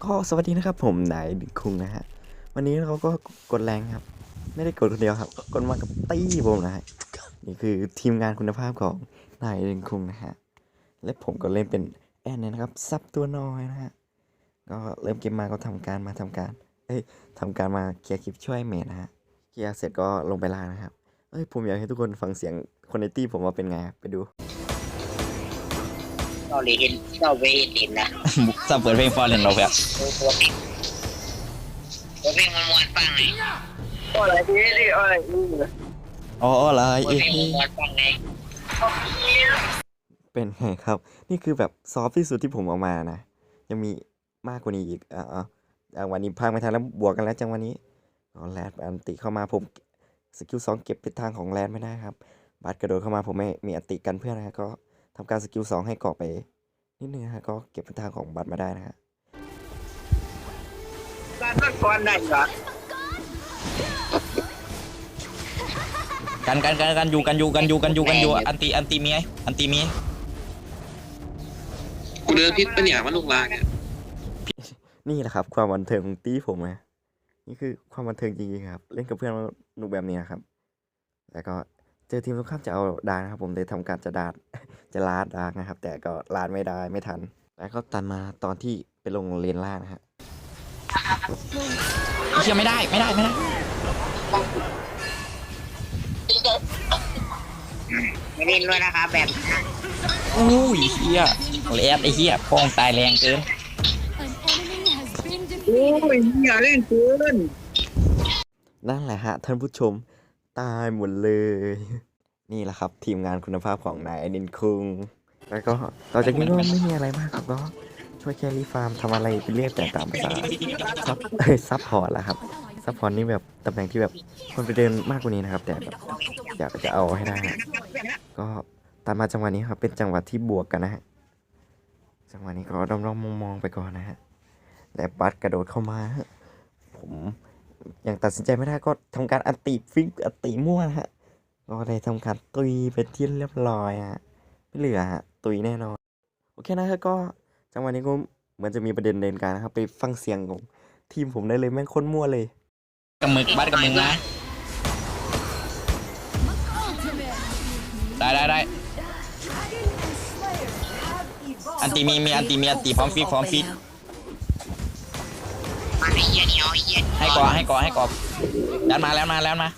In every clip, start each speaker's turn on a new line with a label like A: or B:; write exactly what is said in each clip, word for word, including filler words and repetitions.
A: ก็สวัสดีนะครับผมนายดิคุงนะฮะวันนี้เขาก็กดแรงครับไม่ได้กดคนเดียวครับกดมากับตี้ผมนะฮะนี่คือทีมงานคุณภาพของนายดิคุงนะฮะและผมก็เล่นเป็นแอนเนี่ยนะครับซับตัวน้อยนะฮะก็เริ่มเกมมาก็ทำการมาทำการเอ้ยทำการมาเคลียร์คลิปช่วยเมทนะฮะเคลียร์เสร็จก็ลงไปล่างนะครับเอ้ยผมอยากให้ทุกคนฟังเสียงคนในตี้ผมว่าเป็นไงไปดู
B: เราเลยเห็นเราไปเห็นนะ
C: ซับเปิดเพลงฟอร์เรนเราแบบ
B: ตัวเพลงตัวเพลงมันมวนฟังไงอะไรดีดิอะไร
A: อ๋ออะไร
B: ตัว
A: เอ๊ะ
B: เพลงมันมวนฟังไง
A: เป็นไงครับนี่คือแบบซอฟที่สุดที่ผมเอามานะยังมีมากกว่านี้อีกอ่าอ่าวันนี้พังไม่ทันแล้วบวกกันแล้วจังวันนี้อ๋อแรดอันติเข้ามาผมสกิลสองเก็บทิศทางของแรดไม่ได้ครับบัตรกระโดดเข้ามาผมไม่มีอันติกันเพื่อนนะก็ทำการสกิลสองให้เกาะไปนิดนึงนะฮะก็เก็บทิศทางของบัตรมาได้นะฮะ
B: การต้นก่อนได้เหรอ
C: กันกันกันกันอยู่กันอยู่กันอยู่กันอยู่กันอยู่อันตีอันตีมีไงอันตีมี
D: กูเดินพิษปะเนี่ยมันลูกลางเนี่ย
A: นี่แหละครับความบันเทิงของตีผมนะนี่คือความบันเทิงจริงๆครับเล่นกับเพื่อนหนุกแบบนี้นะครับแล้วก็เจอทีมตรงข้ามจะเอาดาร์นะครับผมเลยทำการจะดาร์ จะลาดดาร์นะครับแต่ก็ลาดไม่ได้ไม่ทันแล้วก็ตันมาตอนที่ไปลงเลนล่างนะฮะ
C: เชื่อไม่ได้ไม่ได้ไม่ได้
B: ไม่เล่นด้วยนะครับแบบ
C: โอ้ยเฮียแลดไอ้เฮียพองตายแรงเกิน
B: โอ้ยอย่าเล่นเกิน
A: นั่นแหละฮะท่านผู้ชมตายหมดเลย นี่แหละครับทีมงานคุณภาพของนายอนินคุงแล้วก็ต่อจากนี้ก็ไม่มีอะไรมากครับก็ช่วยแครี่ฟาร์มทำอะไรไปเรียกแต่ตามภาษาซับเอ้ยซับพอร์ตแหละครับซับพอร์ตนี่แบบตำแหน่งที่แบบคนไปเดินมากกว่านี้นะครับแต่แบบอยากจะเอาให้ได้นะก็ตามมาจังหวะนี้ครับเป็นจังหวะที่บวกกันนะฮะจังหวะนี้ก็ด้อมๆมองๆไปก่อนนะฮะและบัตกระโดดเข้ามาผมยังตัดสินใจไม่ได้ก็ทำการอันติฟิกอันติมั่วนะฮะก็ได้ทำการตุยไปที่เรียบร้อยฮะไม่เหลือฮะตุยแน่นอนโอเคนะครับก็จังหวะนี้ก็เหมือนจะมีประเด็นเดินการนะครับไปฟังเสียงของทีมผมได้เลยแม่งโคตรมั่วเลย
C: กับมึกบัดกับมึงนะได้ได้ได้อันตีมีมีอันตีมีอันตีพร้อมฟีดพร้อมฟีด
B: มาไอ้เหี้ยนี่เอาไอ้เหี้ย
C: ให้กอให้กอให้กอแล้วมาแล้วมาแล้วมา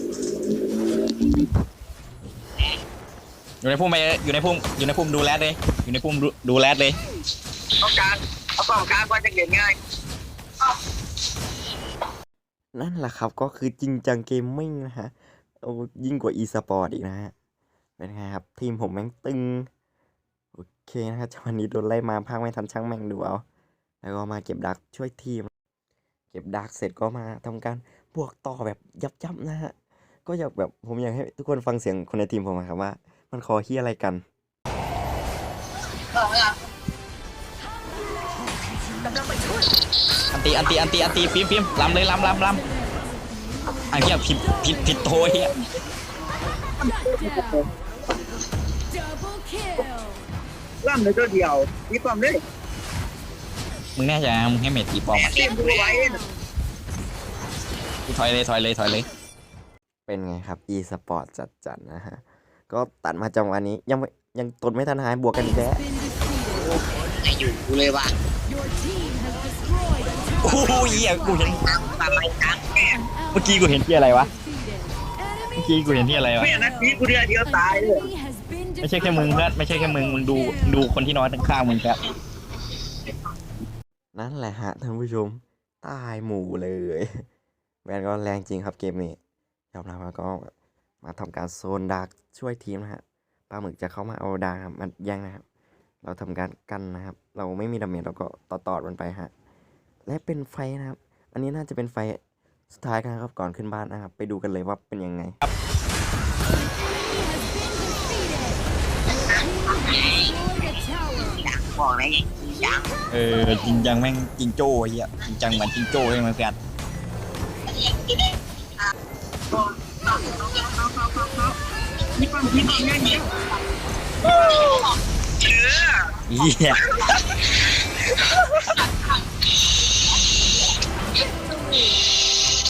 C: อยู่ในพุ่มไปอยู่ในพุ่มอยู่ในพุ่มดูแลเลยอยู่ในพุ่มดูดูแลเลย
B: ต้องการเอากองกลางว่าจะเก่งง่าย
A: นั่นแหละครับก็คือจริงจังเกมมิ่งนะฮะโอ้ยิ่งกว่า e สปอร์ตอีกนะฮะเป็นไงครับทีมผมแม่งตึงโอเคนะฮะจังหวะนี้โดนไล่มาพักไม่ทันช่างแม่งดูเอาแล้วก็มาเก็บดักช่วยทีมเก็บดักเสร็จก็มาทำการบวกต่อแบบยับๆนะฮะก็อยากแบบผมอยากให้ทุกคนฟังเสียงคนในทีมผมนะครับว่ามันคอเฮียอะไรกัน
C: อันตีอันตีอันตีอันตีฟิล์มฟิล์มลำเลยลำลำลำอันเนี้ยผิดผิดผิดโทยอ่ะ
B: ล่ำเลยตัวเดียวมีความเลย
C: มึงแน่ใจนะมึงให้เมทตีปอมอ่ะ
B: เตรียมดูไว้
C: กูถอยเลยถอยเลยถอยเลย
A: เป็นไงครับ e สปอร์ตจัดๆนะฮะก็ตัดมาจังหวะนี้ยังไม่ยังตนไม่ทันหายบวกกันอีกแล้ว
B: ไอ้อยู่กูเลยว่ะ
C: โอ้ยเหี้ยกูเห็น
B: ตามตามไปตามแก
C: เมื่อกี้กูเห็นที่อะไรวะเมื่อกี้กูเห็นที่อะไรวะ
B: ไม่นะพี่กูเดียวเดียวตายเลย
C: ไม่ใช่แค่มึงเพื่อนไม่ใช่แค่มึงมึงดูดูคนที่นอนข้างๆมึงครับ
A: นั่นแหละฮะท่านผู้ชมตายหมู่เลยแวนก็แรงจริงครับเกมนี้ยอมรับว่าก็มาทำการโซนดาร์กช่วยทีมนะฮะปลาหมึกจะเข้ามาเอาดาร์กครับมันแย่งนะครับเราทำการกันนะครับเราไม่มีดาเมจเราก็ต่อตอดมันไปฮะและเป็นไฟนะครับอันนี้น่าจะเป็นไฟสุดท้ายกันครับก่อนขึ้นบ้านนะครับไปดูกันเลยว่าเป็นยังไง
B: บอกเลยยัง
C: เออจริงจังแม่งจริงโจ้เหี้ยจริงจังเหมือนจริงโจ้ใช่ไหมเพื่อน
B: มีความคิดอย่างนี้เชื่อ
C: เหี้ย